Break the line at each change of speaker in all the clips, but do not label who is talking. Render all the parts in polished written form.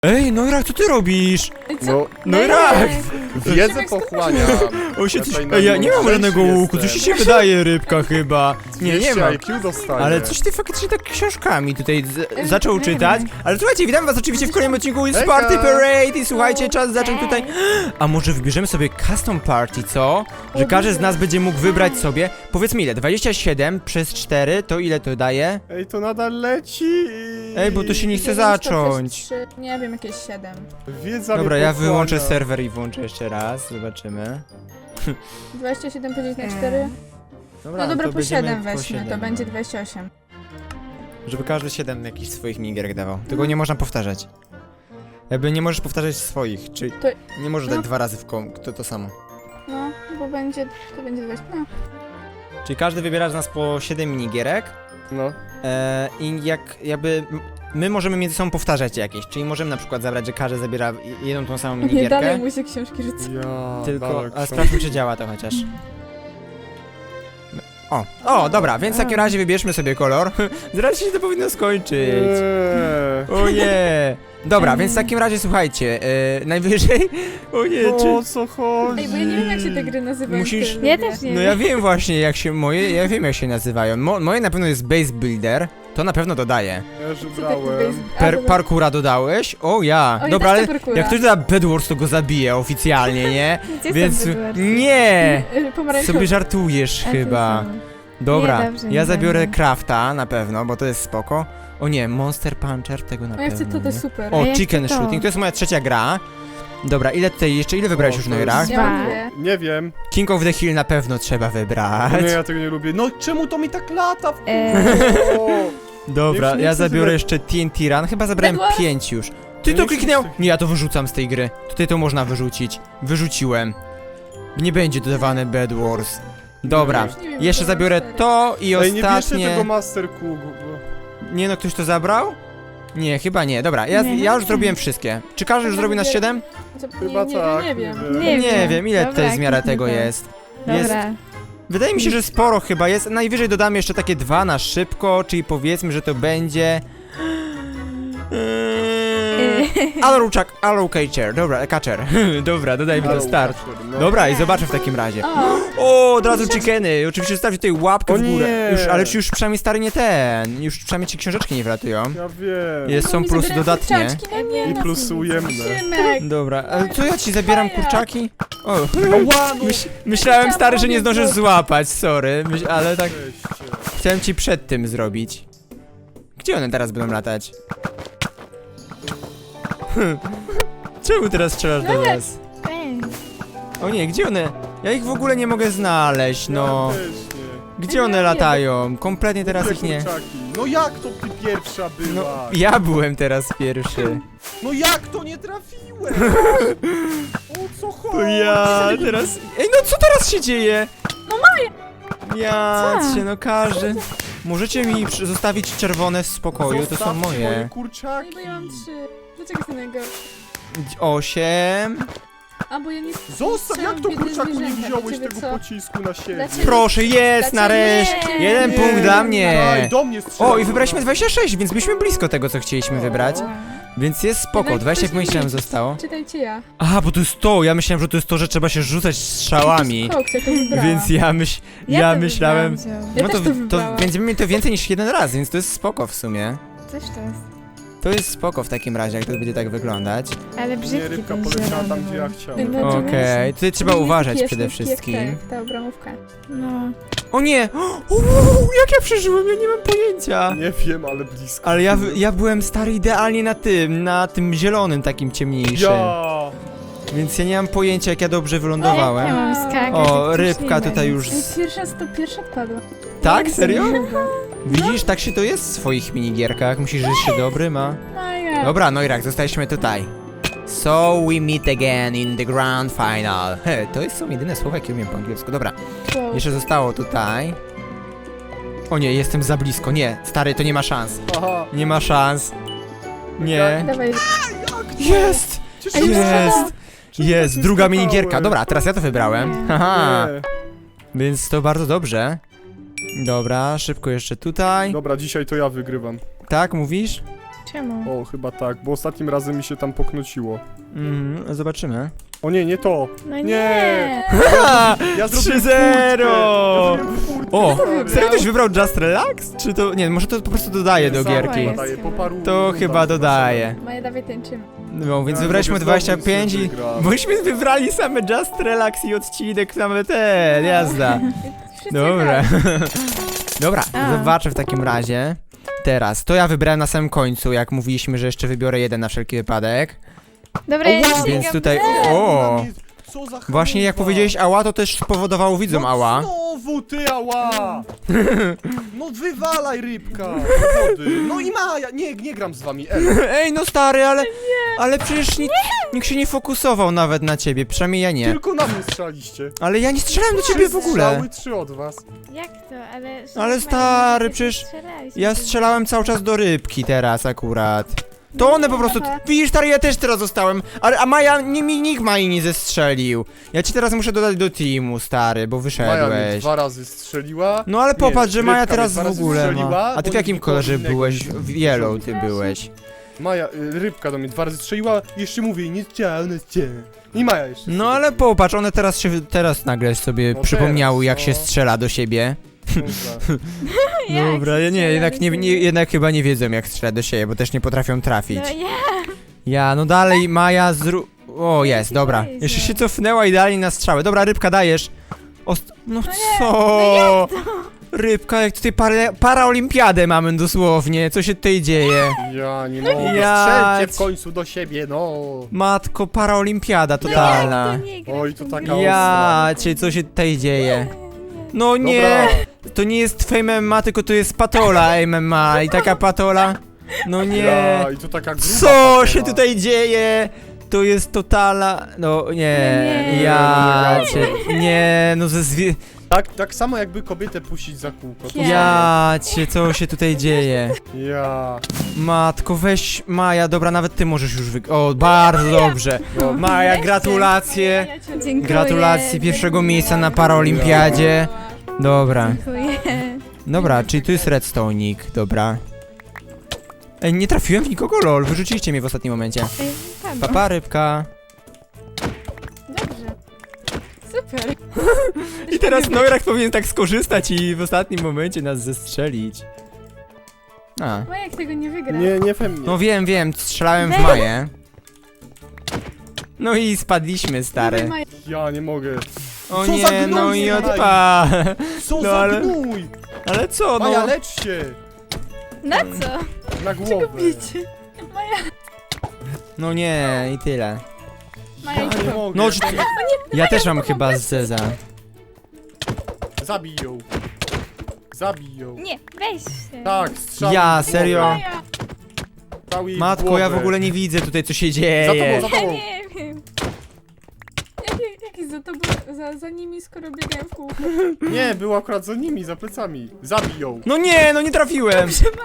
Ej, Noirak, co ty robisz?
Noirak!
Wiedzę pochłaniam.
Ja nie mam żadnego łuku, coś ci się wydaje, rybka chyba. Nie ma.
IQ dostaję.
Ale coś ty faktycznie tak książkami tutaj zaczął czytać. Ale słuchajcie, witam was oczywiście w kolejnym odcinku z Party Parade i słuchajcie, czas zacząć tutaj. A może wybierzemy sobie custom party, co? Że każdy z nas będzie mógł wybrać sobie, powiedzmy ile, 27 przez 4, to ile to daje?
Ej, to nadal leci.
Ej, bo to się nie chce zacząć.
Nie wiem, jakieś 7.
Wiedza
Dobra,
mnie
ja
pochłania.
wyłączę serwer i włączę jeszcze raz, zobaczymy.
27 podzielić na 4? No dobra,
to
po
będziemy
7
po
weźmy,
7,
to
no.
będzie 28.
Żeby każdy 7 jakichś swoich minigierek dawał. Tego nie można powtarzać. Jakby nie możesz powtarzać swoich, czyli
To-
nie możesz
no.
dać 2 razy w to samo.
No, bo będzie, to będzie 20. No.
Czyli każdy wybiera z nas po 7 minigierek
No.
i jakby my możemy między sobą powtarzać jakieś, czyli możemy na przykład zabrać, że każdy zabiera jedną tą samą
Nie, dalej
minigierkę.
mu się książki rzuca.
Ja.
Tylko,
dalej,
a sprawdźmy czy działa to chociaż. O, dobra, więc w takim razie wybierzmy sobie kolor. Zaraz się to powinno skończyć. O nie! Dobra, więc w takim razie słuchajcie, najwyżej... O nie,
No,
czy...
o co chodzi?
Ej, bo ja nie wiem, jak się te gry nazywają.
Musisz-
które
Ja
lubię.
też nie.
No ja wiem właśnie jak się moje, ja wiem jak się nazywają. Moje na pewno jest Base Builder, to na pewno dodaję.
Ja już
Co tak
brałem.
Parkoura dodałeś? O ja!
O, ja
Dobra,
też
ale
chcę parkoura.
jak ktoś doda Bedwars, to go zabije oficjalnie, nie?
Gdzie
Więc...
są Bedwars?
Nie!
Pomarańczowy.
Sobie żartujesz
A tu
chyba.
są.
Dobra,
Nie, dobrze,
ja
nie
zabiorę
będę.
Crafta na pewno, bo to jest spoko. O nie, Monster Puncher, tego na
O, ja chcę
pewno
to
nie.
super.
O,
ja
Chicken
chcę to.
Shooting, to jest moja trzecia gra. Dobra, ile tutaj jeszcze, ile wybrałeś
O,
już
to
Noirak?
jest-
Ja mam dwie.
Nie wiem.
King of the Hill na pewno trzeba
No
wybrać.
nie, ja tego nie lubię. No czemu to mi tak lata? O,
Dobra,
Już nie
ja
chcę
zabiorę
wybrać.
jeszcze TNT Run, chyba zabrałem
Bedwars?
5 już. Ty
No
to
nie
kliknął?
chcę-
Nie, ja to wyrzucam z tej gry. Tutaj to można wyrzucić. Wyrzuciłem. Nie będzie dodawane Bed Wars. Dobra,
Już nie wiem,
jeszcze
co mam
zabiorę
4.
to i
Ej, nie bierzcie
ostatnie...
tego Master Cook.
Nie no, ktoś to zabrał? Nie, chyba nie. Dobra, ja
Nie.
już zrobiłem wszystkie. Czy każdy już zrobił nas 7?
Chyba tak.
Nie wiem.
Nie wiem, ile
Dobra,
tutaj jest miara
kliknę
tego
to.
jest. Jest.
Dobra.
Wydaje mi się, że sporo chyba jest. Najwyżej dodamy jeszcze takie 2 na szybko, czyli powiedzmy, że to będzie... Arrow Catcher, dobra, Catcher. Dobra, dodajmy to start.
No.
Dobra, i zobaczę w takim razie.
O,
O, od razu chickeny. Oczywiście zostawcie tutaj łapkę
O
w górę.
nie.
Już, ale już przynajmniej stary nie ten. Już przynajmniej ci książeczki nie wylatują.
Ja wiem.
Jest, są
mi
plusy
zabierają
dodatnie.
kurczaczki, no nie,
I
no.
plus ujemne.
Szymek.
Dobra, ale co ja ci zabieram kurczaki? O,
Ała, no.
myślałem stary, że nie zdążysz złapać, sorry. Ale tak
Weźcie.
chciałem ci przed tym zrobić. Gdzie one teraz będą latać? Czemu teraz strzelasz do nas?
Ej,
O nie, gdzie one? Ja ich w ogóle nie mogę znaleźć, no.
Ja też nie.
Gdzie one latają? Kompletnie teraz
Te
ich nie.
kurczaki. No jak to ty pierwsza
No,
była?
ja byłem teraz pierwszy.
No jak to nie trafiłem? O co
To
chodzi?
ja teraz... Ej, no co teraz się dzieje? No moje! Ja
Co?
cię, no każdy... Możecie mi zostawić czerwone w spokoju, to są
Zostawcie
moje.
kurczaki.
Ej, bo ja mam 3. Dlaczego jest najgorszy?
8.
A, bo ja nie...
Zostaw, jak to
Biedne
kurczaku nie
zwierzęta,
wziąłeś
dla ciebie
tego
co?
pocisku na siebie?
Dla ciebie-
Proszę, jest
Dlaczego
nareszcie!
nie?
Jeden
Nie.
punkt dla
Aj,
mnie!
do mnie strzela.
O, i wybraliśmy 26, więc byliśmy blisko tego, co chcieliśmy wybrać. Więc jest spoko,
Jednak
20
ktoś nie
myślałem
wie.
zostało.
Czytajcie ja.
A, bo to jest to, ja myślałem, że to jest to, że trzeba się rzucać strzałami.
Koks, ja to wybrałam.
Więc ja myślałem...
Ja
No
też
to,
to wybrałam.
będziemy mieli to więcej niż jeden raz, więc to jest spoko w sumie.
Coś to jest.
To jest spoko w takim razie, jak to będzie tak wyglądać.
Ale
Nie,
brzydki
rybka
ten
poleciała
zielony
tam, gdzie ja
był.
chciałem.
No,
Okej, tutaj trzeba
Nie
uważać
jest
przede
taki jak
wszystkim.
ta obramówka.
No.
O nie! Jak ja przeżyłem? Ja nie mam pojęcia.
Nie wiem, ale blisko.
Ale ja byłem stary idealnie na tym zielonym takim ciemniejszym.
Ja!
Więc ja nie mam pojęcia, jak ja dobrze
Ja
wylądowałem.
mam skakać.
O,
jak
rybka
ślimak.
tutaj już...
Ej, pierwsza odpadła.
Tak? Serio?
Chyba.
Widzisz, tak się to jest w swoich minigierkach. Musisz żyć się dobry, ma.
No ja.
Dobra, Noirak, zostaliśmy tutaj. So we meet again in the grand final. He, to są jedyne słowa, jakie umiem po angielsku. Dobra,
Wow.
jeszcze zostało tutaj. O nie, jestem za blisko. Nie, stary, to nie ma szans.
Aha.
Nie ma szans. Nie.
Dawaj.
Jest!
Cieszę się.
Jest!
Czemu
Jest,
tak
druga
skakałem?
minigierka. Dobra, teraz ja to wybrałem. Haha.
Nie.
Więc to bardzo dobrze. Dobra, szybko jeszcze tutaj.
Dobra, dzisiaj to ja wygrywam.
Tak, mówisz?
Czemu?
O, chyba tak, bo ostatnim razem mi się tam poknociło.
Zobaczymy.
O nie, nie to.
No nie!
Nie. Ja zrobiłem
3-0. O,
stary.
serio ktoś wybrał Just Relax? Czy to, nie, może to po prostu dodaje do
Sam
gierki.
jest.
dodaję, po paru
To
rundach
chyba dodaje.
Maja, dawaj tańczymy.
No, więc
Ja
wybraliśmy
mogę
25 i...
znowu wygrać.
Bośmy wybrali same Just Relax i odcinek, same ten, jazda.
Wszyscy
Dobra.
grają.
Dobra,
A.
zobaczę w takim razie. Teraz, to ja wybrałem na samym końcu, jak mówiliśmy, że jeszcze wybiorę jeden na wszelki wypadek.
Dobra, ja
O, wow.
nie
Więc
sięgam.
tutaj,
Na
o!
mnie- Co za
Właśnie jak
chalupa.
powiedziałeś ała, to też spowodowało widzom
No
ała.
Znowu ty ała! No wywalaj rybka! do wody. No i Maja! Nie gram z wami,
Ej, no stary, ale przecież nikt się nie fokusował nawet na ciebie, przynajmniej ja nie.
Tylko na mnie strzelaliście.
Ale ja nie strzelałem do ciebie w ogóle.
Strzały 3 od was.
Jak to? Ale...
Ale stary, przecież ja strzelałem cały czas do rybki teraz akurat. To one po prostu, widzisz stary, ja też teraz zostałem, a Maja, nikt Mai nie zestrzelił. Ja ci teraz muszę dodać do teamu, stary, bo
Maja mnie
wyszedłeś.
2 razy strzeliła.
No ale popatrz, że Maja
rybka
teraz
mnie
w
2 razy
ogóle ma.
strzeliła,
A ty w
bo
jakim
nikogo
kolorze
innego
byłeś?
nie
W
widziałem.
yellow ty byłeś.
Maja, rybka do mnie 2 razy strzeliła, jeszcze mówię, nie chciałem, nie chciałem. I Maja jeszcze.
No ale popatrz, one teraz nagle sobie
No
przypomniały jak
teraz,
się
no.
strzela do siebie.
Dobra.
Dobra, ja nie, jednak chyba nie wiedzą jak strzelać do siebie, bo też nie potrafią trafić.
No ja!
Ja, no dalej, Maja O, jest, dobra.
Jezu.
Jeszcze się cofnęła idealnie na strzały. Dobra, rybka, dajesz. No co? Rybka, jak tutaj paraolimpiadę mamy dosłownie. Co się tutaj dzieje?
Ja nie mogę,
Ja
strzelcie w
ci-
końcu do siebie, no.
Matko, paraolimpiada totalna.
To nie gra
Oj,
w
to
tą
taka
grę.
Ja cię, co się tutaj dzieje? No nie,
Dobra.
to nie jest Fame MMA, tylko to jest patola MMA. I taka patola? No nie.
Ja, i to taka gruba
Co
patola.
się tutaj dzieje? To jest totala... No nie,
Nie.
ja
Nie.
cię... Nie, no ze zwie...
Tak samo jakby kobietę puścić za kółko. To
Ja cię, co się tutaj dzieje?
Ja.
Matko, weź Maja, dobra, nawet ty możesz już O, bardzo dobrze.
No.
Maja, gratulacje.
Dziękuję.
Gratulacje pierwszego miejsca na paraolimpiadzie. Dobra.
Dziękuję.
Dobra, czyli tu jest redstone'ik, dobra. Ej, nie trafiłem w nikogo, lol, wyrzuciliście mnie w ostatnim momencie. Papa, rybka.
Dobrze. Super.
I teraz Noirak powinien tak skorzystać i w ostatnim momencie nas zestrzelić. A.
Maja, jak tego nie wygra.
Nie we mnie.
No wiem, strzelałem w Maję. No i spadliśmy, stary.
Maja.
Ja nie mogę.
O
Co za
nie, no
gnój,
i
słuchaj.
odpa.
Co
No
za
ale-
gnój!
Ale co,
Maja,
no.
lecz się!
Na co?
Na głowę.
Bicie. Maja.
No nie, i tyle.
Maja,
Ja
idź
nie
tu.
mogę.
No, czy- Ja też mam chyba zeza.
Zabij ją. Zabij ją.
Nie, weź się.
Tak, strzał.
Ja, serio?
Maja.
Strzał jej w
Matko, ja w
głowę.
ogóle nie widzę tutaj co się
Za
dzieje.
tobą, za
Ja
tobą.
nie wiem. Jaki za tobą, za nimi, skoro biegają w kółko?
Nie, był akurat za nimi, za plecami. Zabij ją.
No nie, no nie trafiłem.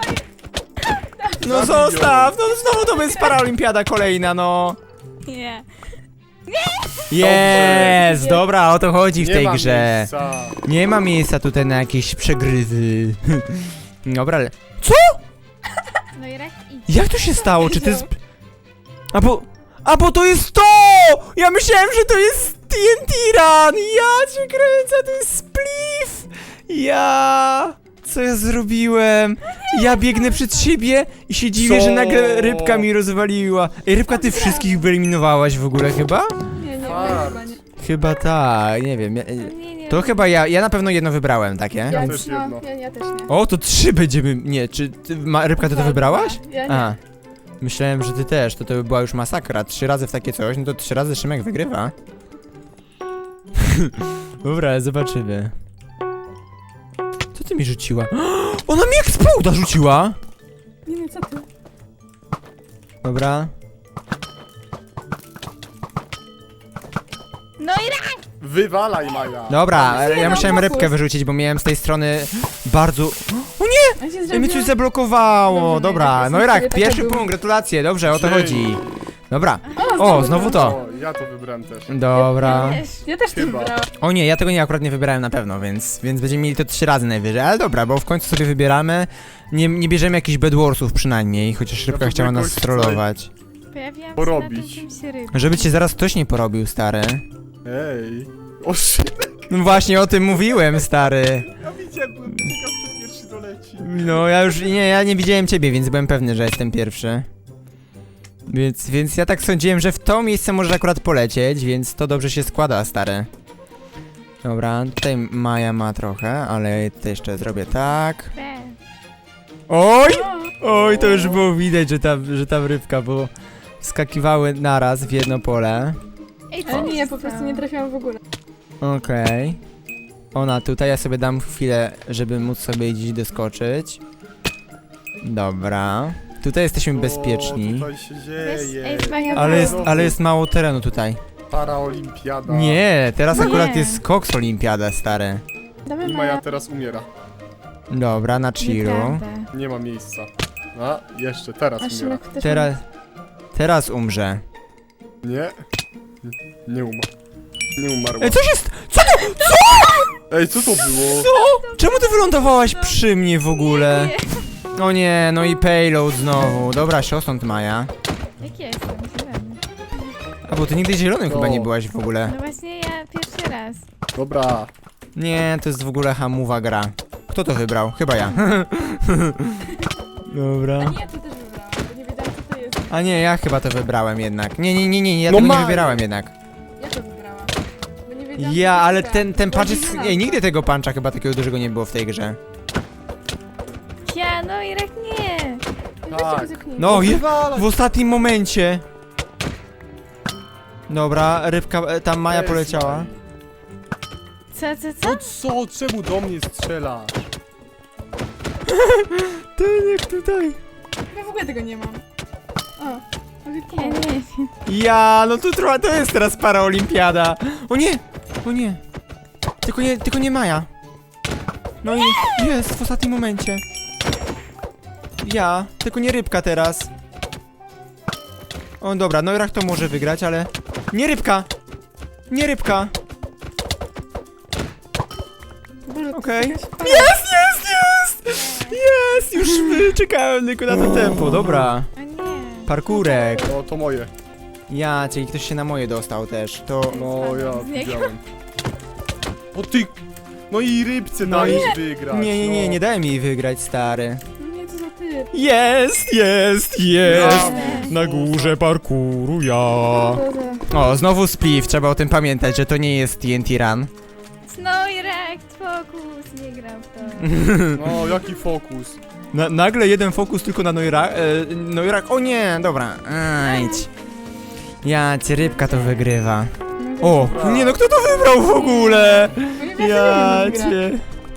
No
Zabij ją.
zostaw, no znowu to jest paraolimpiada kolejna, no.
Nie.
Jest, dobra, o to chodzi w
Nie
tej
ma
grze.
miejsca.
Nie ma miejsca tutaj na jakieś przegrywy. Dobra, ale...
No i rak idź.
Jak to się stało? Czy to jest... A bo to jest to! Ja myślałem, że to jest TNT Run! Ja cię kręcę, to jest spliff! Co ja zrobiłem? Ja biegnę przed siebie i się dziwię,
Co?
że nagle rybka mi rozwaliła. Ej, rybka, ty wszystkich wyeliminowałaś w ogóle chyba?
Nie,
Fart.
chyba nie.
Chyba tak, nie wiem.
Nie.
To chyba ja na pewno jedno wybrałem, takie?
Ja
Ja,
też
no,
jedno.
ja też nie.
O, to 3 będziemy... Nie, czy ty, rybka, ty to wybrałaś?
Ja nie.
A, myślałem, że ty też, to by była już masakra. 3 razy w takie coś, no to 3 razy Szymek wygrywa. Dobra, zobaczymy. Co ty mi rzuciła? Ona mi Exploda rzuciła!
Nie wiem, co ty.
Dobra.
No i rak!
Wywalaj, Maja.
Dobra,
Nie,
ja
no,
musiałem
fokus.
rybkę wyrzucić, bo miałem z tej strony bardzo...
A się
Ej, mi
zrobiło?
coś zablokowało,
Dobrze,
dobra.
no i
No i
tak,
rak,
sobie
pierwszy
taka
punkt, gratulacje, dobrze, o to
Dzień.
chodzi. Dobra,
O,
o, znowu to.
Ja to wybrałem też.
Dobra.
Ja też to
Chyba.
wybrałam.
O nie, ja tego nie akurat nie wybierałem na pewno, więc będziemy mieli to 3 razy najwyżej. Ale dobra, bo w końcu sobie wybieramy. Nie bierzemy jakichś Bedwarsów przynajmniej, chociaż rybka
to
chciała nas
jakoś chcę
trollować.
Pojawiłam się
porobić.
na tym czymś ryb.
Żeby cię zaraz ktoś nie porobił, stary.
Ej. O shit.
No właśnie o tym mówiłem, stary.
Ja widziałem, byłem ciekaw, kto pierwszy doleci.
No ja nie widziałem ciebie, więc byłem pewny, że jestem pierwszy. Więc ja tak sądziłem, że w to miejsce możesz akurat polecieć, więc to dobrze się składa, stary. Dobra, tutaj Maja ma trochę, ale to jeszcze zrobię tak.
Be.
Oj!
O,
Oj, to już było widać, że ta rybka, bo skakiwały naraz w jedno pole.
Ej, co
ale
mi
nie,
się
ja po prostu
stało?
nie trafiłam w ogóle.
Okej. Ona tutaj, ja sobie dam chwilę, żeby móc sobie gdzieś doskoczyć. Dobra. Tutaj jesteśmy
O,
bezpieczni.
tutaj się dzieje.
Ej, zbawiam
Ale jest mało terenu tutaj.
Paraolimpiada.
Nie, teraz
Nie.
akurat jest Cox Olimpiada, stary.
Dawaj,
I
Maja.
Maja teraz umiera.
Dobra, na chillu.
Nieprawda.
Nie ma miejsca. A, jeszcze, teraz
A
umiera.
Szymek też
Teraz umrze.
Nie. Nie umarł. Nie umarł.
Ej, co się st...
Ej, co to było?
Co? Czemu ty wylądowałaś przy mnie w ogóle?
Nie.
O nie, no i payload znowu. Dobra, siostąd Maja.
Jak ja jestem zielony.
A bo ty nigdy zielonym chyba
No.
nie byłaś w ogóle.
No właśnie ja pierwszy raz.
Dobra.
Nie, to jest w ogóle hamuwa gra. Kto to wybrał? Chyba ja. Dobra.
A nie, to też wybrałam, bo nie wiedziałam co to jest.
A nie, ja chyba to wybrałem jednak. Nie, ja
No
tego nie
Maja.
wybierałem jednak.
Ja to wybrałam. Bo nie wiedziałam
Ja,
co to
ale
jest.
ten punch
Bardziej
jest...
na
Ej,
to.
nigdy tego puncha chyba takiego dużego nie było w tej grze.
Ja, no Irek nie.
Weźcie
Tak.
go zepchnijcie.
No,
Wywalaj.
w ostatnim momencie. Dobra, rybka, tam Maja
Jest
poleciała.
Co?
No co? Czemu do mnie strzelasz?
Ty nie tutaj.
Ja w ogóle tego nie mam. O,
Ja nie wiem.
Ja, no tu trochę to jest teraz paraolimpiada. O nie, o nie. Tylko nie Maja. No i jest w ostatnim momencie. Ja, tylko nie rybka teraz. O dobra, no Irach to może wygrać, ale... Nie rybka! Nie rybka!
Boże, to
Okej.
jest jakaś fajna-
Jest! Już czekałem tylko na to tempo, dobra.
O nie.
Parkurek.
No to moje.
Ja, czyli ktoś się na moje dostał też, to...
No ja
Z niego.
widziałem. O ty... No i rybce
No
dajesz
i-
wygrać.
Nie dałem jej wygrać, stary.
No nie, co za typ.
Jest! Na górze parkuru ja. O, znowu spliff, trzeba o tym pamiętać, że to nie jest TNT Run.
No Irek, fokus, nie gram w to.
No, jaki fokus.
Nagle jeden fokus tylko na Noirak. O nie, dobra, ajdź. Ja cię, rybka to wygrywa. O, nie no, kto to wybrał w ogóle? Ja cię.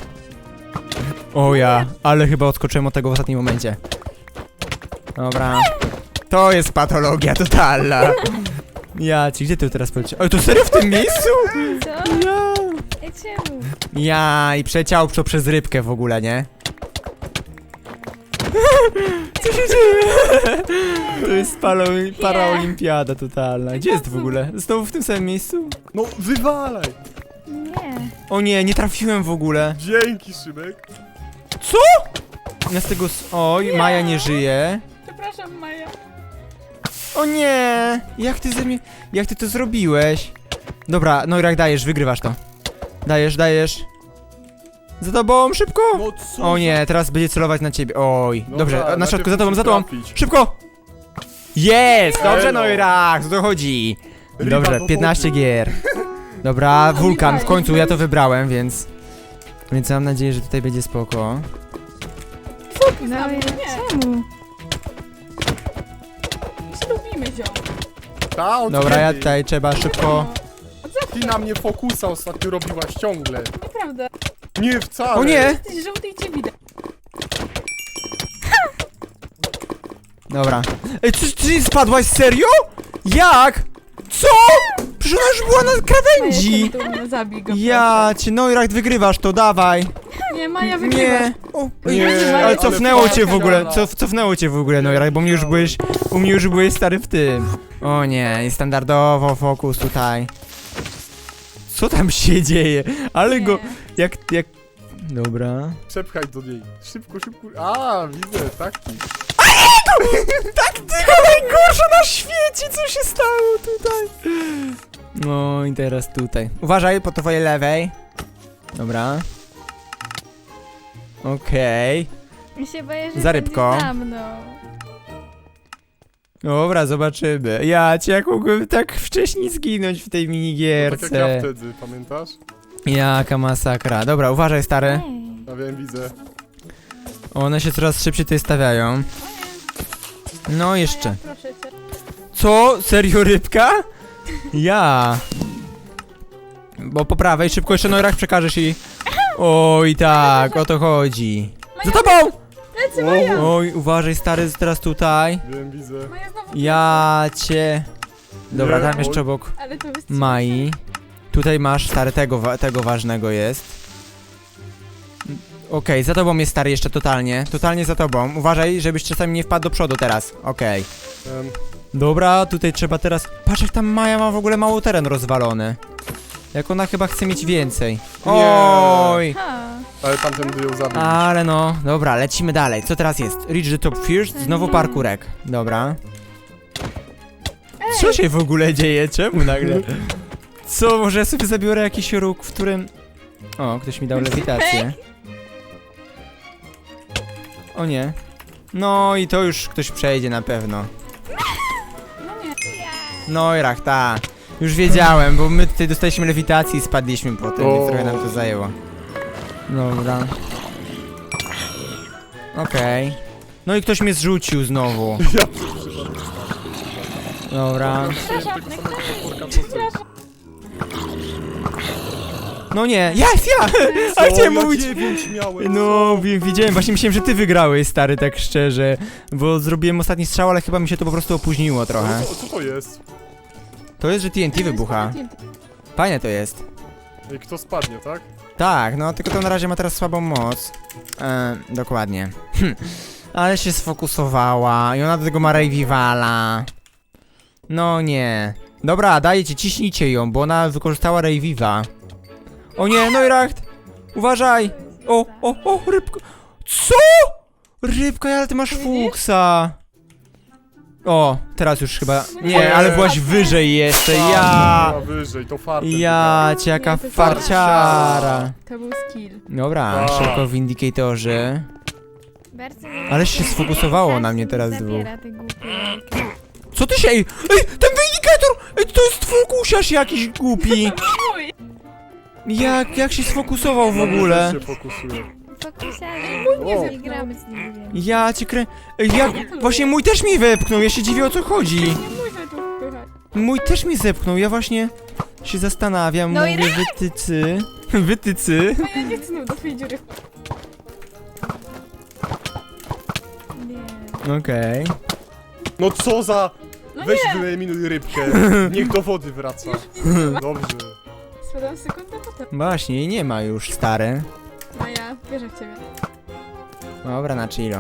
O ja, ale chyba odskoczyłem od tego w ostatnim momencie. Dobra. To jest patologia totalna. Ja ci, gdzie ty teraz poleciałeś? Ale to serio w tym miejscu?
Co?
Ja.
Ej, czemu?
Ja i przeciął to przez rybkę w ogóle, nie? Co się dzieje? To jest paraolimpiada totalna. Gdzie jest w ogóle? Znowu w tym samym miejscu?
No wywalaj.
Nie.
O nie trafiłem w ogóle.
Dzięki, Szymek.
Co? Ja z tego... Oj, Maja nie żyje.
Przepraszam, Maja.
O nie! Jak ty to zrobiłeś? Dobra, no jak dajesz, wygrywasz to. Dajesz. Za tobą, szybko!
No co?
O nie, teraz będzie celować na ciebie. Oj,
Dobra,
dobrze, na
najpierw
środku, za tobą,
musisz
za tobą.
trafić.
Szybko! Jest! Dobrze,
Elo.
no i rak, o to chodzi.
Ryba
Dobrze,
do
15
wody.
gier. Dobra, wulkan, w
fajnie.
końcu ja to wybrałem, więc mam nadzieję, że tutaj będzie spoko.
No
nie.
Irek, czemu?
Ślubimy ziom.
Ta, od
Dobra, ja
kiedy?
tutaj trzeba szybko...
Ty na mnie fokusa ostatnio robiłaś ciągle.
Nieprawda.
Nie, wcale.
O nie!
Jesteś żółty i cię widać.
Dobra. Ej, czy spadłaś serio? Jak? Co? Przecież ona już była na krawędzi!
Maja, zabij go.
Ja cię, no i rak, wygrywasz to, dawaj.
proszę. Nie, Maja wygrywa.
Nie. O,
Nie,
ale
ale
cofnęło cię w ogóle,
fajna.
cofnęło cię w ogóle, Noirach, bo u mnie już byłeś stary w tym. O nie, i standardowo fokus tutaj. Co tam się dzieje? Ale go, jak, dobra.
Przepchaj do niej. Szybko, szybko. A, widzę, taktik.
Taktyka najgorsza na świecie, co się stało tutaj? No i teraz tutaj. Uważaj po twojej lewej. Dobra. Okej.
Mi się boję, że
Za rybką.
będzie za mną.
Dobra, zobaczymy. Ja cię jak mogłem tak wcześniej zginąć w tej
Tak jak ja
minigierce.
wtedy, pamiętasz?
Jaka masakra. Dobra, uważaj stary.
Ej.
Ja wiem, widzę.
One się coraz szybciej tutaj stawiają. No jeszcze.
Maja, proszę cię.
Co? Serio rybka? Ja. Bo po prawej szybko jeszcze Noirach przekażesz i... Oj tak, o to chodzi. Za tobą!
Lecę, Maja!
Oj, uważaj stary, teraz tutaj.
Wiem, widzę.
Maja znowu
Ja cię... Dobra,
Nie,
tam
oj.
jeszcze obok
Ale to wystrzeliło.
Mai. Tutaj masz stary, tego ważnego jest. Okej, za tobą jest stary jeszcze totalnie. Totalnie za tobą. Uważaj, żebyś czasami nie wpadł do przodu teraz. Okej. Dobra, tutaj trzeba teraz... Patrz jak tam Maja ma w ogóle mało teren rozwalony. Jak ona chyba chce mieć więcej. Oj!
Ha.
Ale tamten by ją zabił.
Ale no, dobra, lecimy dalej. Co teraz jest? Reach the top first, znowu parkurek. Dobra. Co się w ogóle dzieje? Czemu nagle? Co, może ja sobie zabiorę jakiś róg, w którym... O, ktoś mi dał lewitację. O nie. No i to już ktoś przejdzie na pewno.
No nie.
No i rach, ta. Już wiedziałem, bo my tutaj dostaliśmy lewitację i spadliśmy potem, więc trochę nam to zajęło. Dobra. Okej. No i ktoś mnie zrzucił znowu.
Ja
Dobra.
przyszedłem tego samego potworka,
No nie, jest ja! A chciałem
ja
mówić...
9 miałem.
No, widziałem, właśnie myślałem, że ty wygrałeś, stary, tak szczerze. Bo zrobiłem ostatni strzał, ale chyba mi się to po prostu opóźniło trochę.
Co to jest?
To jest, że TNT wybucha. Fajne to jest.
Ej, kto spadnie, tak?
Tak, no tylko to na razie ma teraz słabą moc. Dokładnie. Ale się sfokusowała i ona do tego ma Revivala. No nie. Dobra, dajcie, ciśnijcie ją, bo ona wykorzystała Reviva. O nie, Noiracht! Uważaj! O, rybka! Co?! Rybka, ale ty masz fuksa! O, teraz już chyba... Nie, ale byłaś wyżej jeszcze, ja!
Była wyżej, to fartem.
Ja cię, jaka
Nie, to jest
farciara!
To był skill.
Dobra,
Tak.
szybko w indykatorzy.
Bardzo
Ale się sfokusowało na mnie teraz
zabiera te głupie jajka.
Co ty się... Ej, ten indikator! Ej, to jest fokusiarz jakiś głupi!
Mój!
Jak się sfokusował w ogóle?
Się fokusuje.
Fokusiarze, nie gramy z nim.
Ja cię krę... Ej, Właśnie mój też mi wepchnął, ja się dziwię o co chodzi.
Nie mój tu wpychać.
Mój też mi zepchnął, ja właśnie się zastanawiam,
No i
mówię wytycy... Wytycy?
Maja, nie chcę do twojej dziury.
Nie.
Okej.
No co za...
No
Weź
nie!
wyeliminuj rybkę. Niech do wody wraca. Dobrze.
Spadam sekundę potem.
Właśnie, jej nie ma już, stary.
Maja, wierzę w ciebie.
Dobra, na chillu.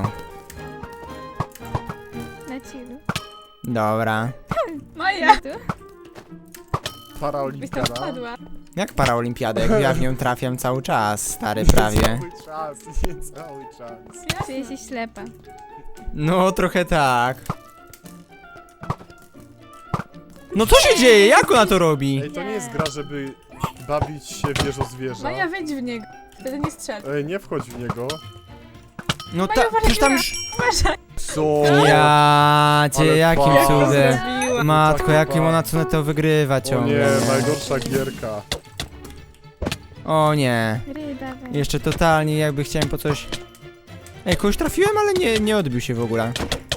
Na chillu.
Dobra.
Maja!
Tu?
Byś tam
Paraolimpiada.
wpadła.
Jak paraolimpiadę, jak ja w nią trafiam cały czas, stary, prawie.
Cały czas, nie cały czas.
Czuję się ślepa.
No, trochę tak. No co się dzieje? Jak ona to robi?
Ej, to nie jest gra, żeby bawić się wieżo zwierza.
Maja, wejdź w niego. Wtedy nie strzel.
Ej, nie wchodź w niego.
No
Maja,
przecież tam już...
Uważaj!
Co?
Ja cię,
Ale
jakim
fajnie.
cudem.
Zrobiła.
Matko, jakim ona co na to wygrywa
O
ciągle.
nie, najgorsza gierka.
O nie.
Ryba, weź.
Jeszcze totalnie jakby chciałem po coś... Ej, kogoś trafiłem, ale nie odbił się w ogóle.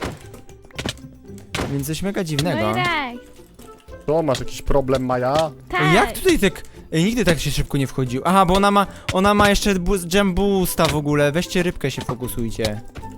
Więc coś mega dziwnego.
No i tak.
To masz jakiś problem, Maja?
Tak.
Ej, jak tutaj tak... Ej, nigdy tak się szybko nie wchodził. Aha, bo ona ma jeszcze jump boosta w ogóle. Weźcie rybkę, się fokusujcie.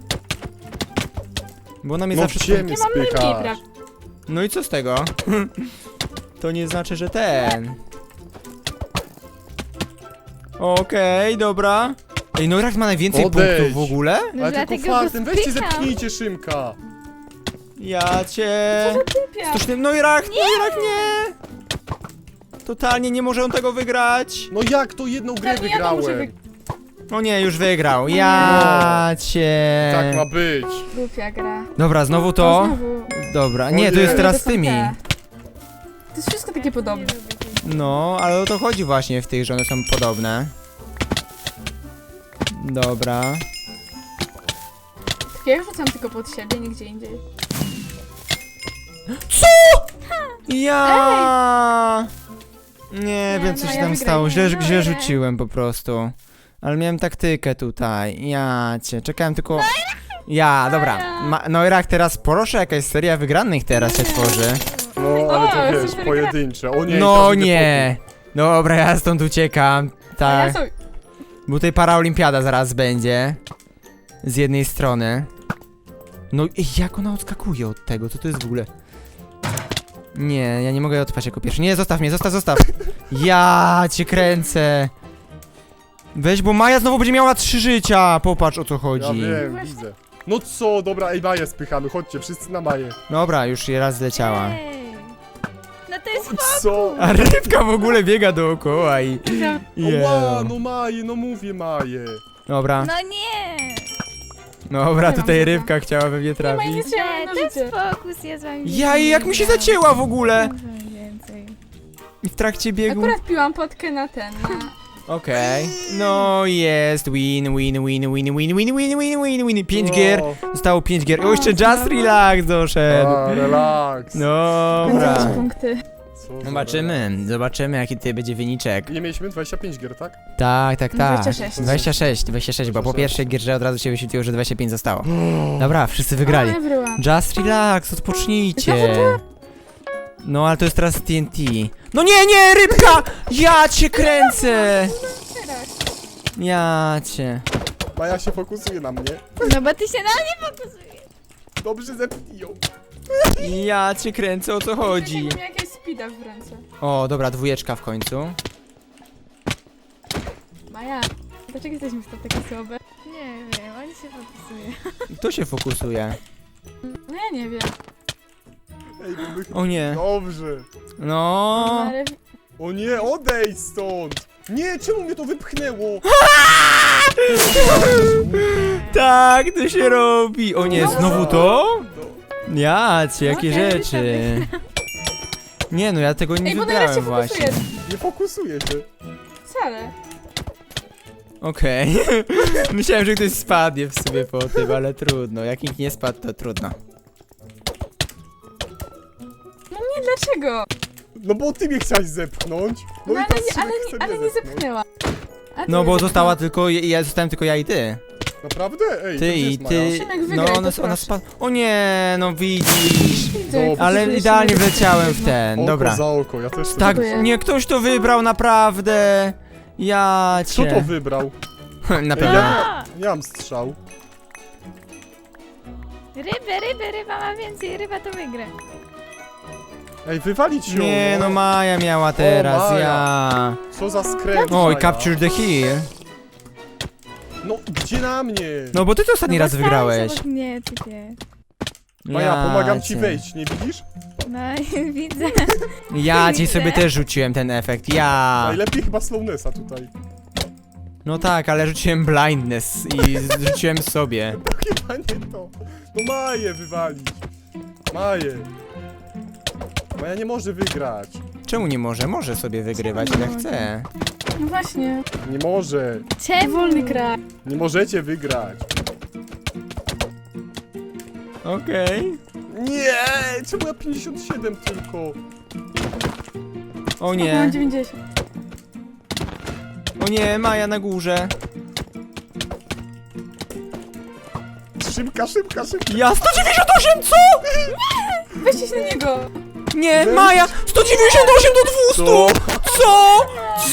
Bo ona mnie
No
zawsze...
gdzie mnie
Nie mam rybki,
spychasz?
prawda?
No i co z tego? To nie znaczy, że ten. Okej, dobra. Ej, Noirak ma najwięcej
Odejdź.
punktów w ogóle?
No
Ale tylko
dlatego go
fartem, weźcie
spycham.
zepchnijcie Szymka.
Ja cię...
Typia.
107, Noirak, Noirak, nie! Totalnie nie może on tego wygrać.
No jak to jedną grę
Ja to muszę
wygrałem?
O nie, już wygrał. Ja cię...
Tak ma być.
Głupia gra.
Dobra, znowu
No
to.
znowu.
Dobra,
O
nie, to
nie.
jest teraz
To
z
są
tymi.
te. To jest wszystko takie podobne.
No, ale o to chodzi właśnie w tych, że one są podobne. Dobra.
Ja rzucam tylko pod siebie, nigdzie indziej.
Ja! Nie wiem, co
no,
się
ja
tam
wygrałem.
stało. Źle
No,
źle
ja.
rzuciłem po prostu. Ale miałem taktykę tutaj. Ja cię, czekałem tylko... Ja, dobra. Noirak, teraz proszę, jakaś seria wygranych teraz się tworzy.
No, ale to
O,
wiesz,
super
pojedyncze. O nie,
No
teraz idę
nie! Dobra, ja stąd uciekam.
A ja
Tak.
sobie...
Bo tutaj paraolimpiada zaraz będzie. Z jednej strony. No ej, jak ona odskakuje od tego? Co to jest w ogóle? Nie, ja nie mogę odpaść jako pierwszy. Nie, zostaw mnie, zostaw. Ja cię kręcę. Weź, bo Maja znowu będzie miała 3 życia. Popatrz, o co
Ja
chodzi.
wiem, widzę. No co, dobra, ej, Maję spychamy, chodźcie, wszyscy na Maję.
Dobra, już raz zleciała.
Ej. No to jest
Co?
A rybka w ogóle biega dookoła i...
Ła,
Yeah.
no Maję, no mówię Maję.
Dobra,
No nie!
dobra,
Nie
tutaj
mam
rybka chciała we mnie
Nie ma
trafić.
nic, ja mam
Nie,
na
to jest
życie.
fokus, ja z wami
Ja i jak mi się zacięła w ogóle!
Więcej.
I w trakcie biegu...
Akurat piłam potkę na ten, na...
Okej. No jest, win. 5 gier. Zostało 5 gier. O, jeszcze Just Relax doszedł.
A, relaks.
Dobra.
Jakieś punkty.
Co za
Zobaczymy jaki tutaj będzie wyniczek.
Nie mieliśmy 25 gier, tak?
Tak.
26.
26, bo po pierwszej gierze od razu się wyświetliło, że 25 zostało.
Mm.
Dobra, wszyscy wygrali.
A, ja wyryłam.
Just Relax, odpocznijcie.
Znowu
No, ale to jest teraz TNT. No nie, rybka! Ja cię kręcę!
Teraz.
Ja cię.
Maja się fokusuje na mnie.
No bo ty się na mnie fokusujesz.
Dobrze zepnij ją.
Ja cię kręcę, o co chodzi?
Jakbym miała jakiegoś speeda w ręce.
O, dobra, 2 w końcu.
Maja, dlaczego jesteśmy w to takie słabe?
Nie wiem, on się fokusuje.
Kto się fokusuje?
No ja nie wiem.
Ej, bo my...
O nie.
Dobrze.
No.
Ale...
O nie, odejdź stąd. Nie, czemu mnie to wypchnęło?
Tak, to się robi. O nie,
No.
znowu to?
No.
Ja cię, jakie
Okej,
rzeczy. Nie no, ja tego nie
Ej, bo teraz się
wybrałem właśnie.
fokusuje.
Nie fokusuje się.
Wcale.
Okej. Myślałem, że ktoś spadnie w sobie po tym, ale trudno. Jak nikt nie spadł, to trudno.
No nie, dlaczego?
No bo ty mnie chciałeś zepchnąć. No,
No
i
ale,
teraz
nie,
Szymek
ale,
chce
nie, ale
mnie
nie
zepchnąć.
zepchnęła. A ty
No bo
mnie
została
zepchnęłaś.
tylko, ja zostałem tylko ja i ty.
Naprawdę? Ej,
Ty
to gdzie
i
jest Maja?
ty.
Szymek,
No
wygraj, to
ona
proszę.
spadła. O nie, no widzisz.
Widzę, jak
Dobra.
Ale
fokusujesz się
idealnie
na-
wleciałem w ten,
Oko
dobra.
za oko, ja też
Tak,
Dziękuję.
nie, ktoś to wybrał naprawdę. Ja
Kto to
cię.
wybrał?
Na
Ej,
pewno.
ja nie mam strzał.
Ryba ma więcej, ryba to wygra.
Ej, wywalić ją.
Nie, no Maja miała teraz,
Maja.
ja.
Co za skręt.
Oj,
Maja.
capture the hill.
No, gdzie na mnie?
No bo ty to ostatni raz wygrałeś.
Nie, typie.
Maja, pomagam ci
cię.
wejść, nie widzisz?
No widzę.
Ja ci
Widzę.
sobie też rzuciłem ten efekt, ja.
Najlepiej chyba slownessa tutaj.
No tak, ale rzuciłem blindness i rzuciłem sobie.
Chyba nie to. No Maję wywalić. Maję. Maja nie może wygrać.
Czemu nie może? Może sobie wygrywać ile chce.
No właśnie.
Nie może.
Czemu?
Wolny kraj.
Nie możecie wygrać.
Okej.
Nie! Czemu ja 57 tylko?
O
Mam
nie,
90.
o nie, Maja na górze.
Szybka.
Ja 198, co?
Weźcie się na niego.
Nie,
Weź.
Maja, 198 do 200!
Co?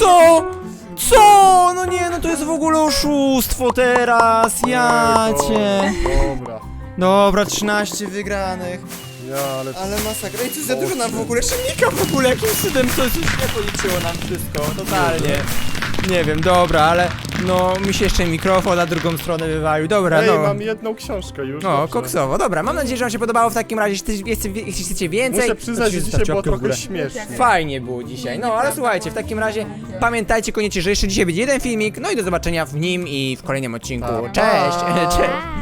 Co? No nie, no to jest w ogóle oszustwo teraz, ja
Ej,
cię.
Dobra.
Dobra, 13 wygranych.
Ja, ale...
Ale masakra, i co za dużo nam w ogóle, Szymika w ogóle, jakimś cudem coś nie policzyło nam wszystko, totalnie. Nie wiem, dobra, ale No, mi się jeszcze mikrofon na drugą stronę wywalił. Dobra,
Ej,
no.
mam jedną książkę już.
No,
dobrze.
koksowo. Dobra, mam nadzieję, że wam się podobało w takim razie. Jeśli chcecie więcej,
Muszę przyznać,
to
że
zostawcie
dzisiaj było
łapkę w
trochę
górę.
śmiesznie.
Fajnie było dzisiaj. No, ale słuchajcie, w takim razie pamiętajcie koniecznie, że jeszcze dzisiaj będzie jeden filmik. No i do zobaczenia w nim i w kolejnym odcinku.
Pa, pa.
Cześć! Cześć!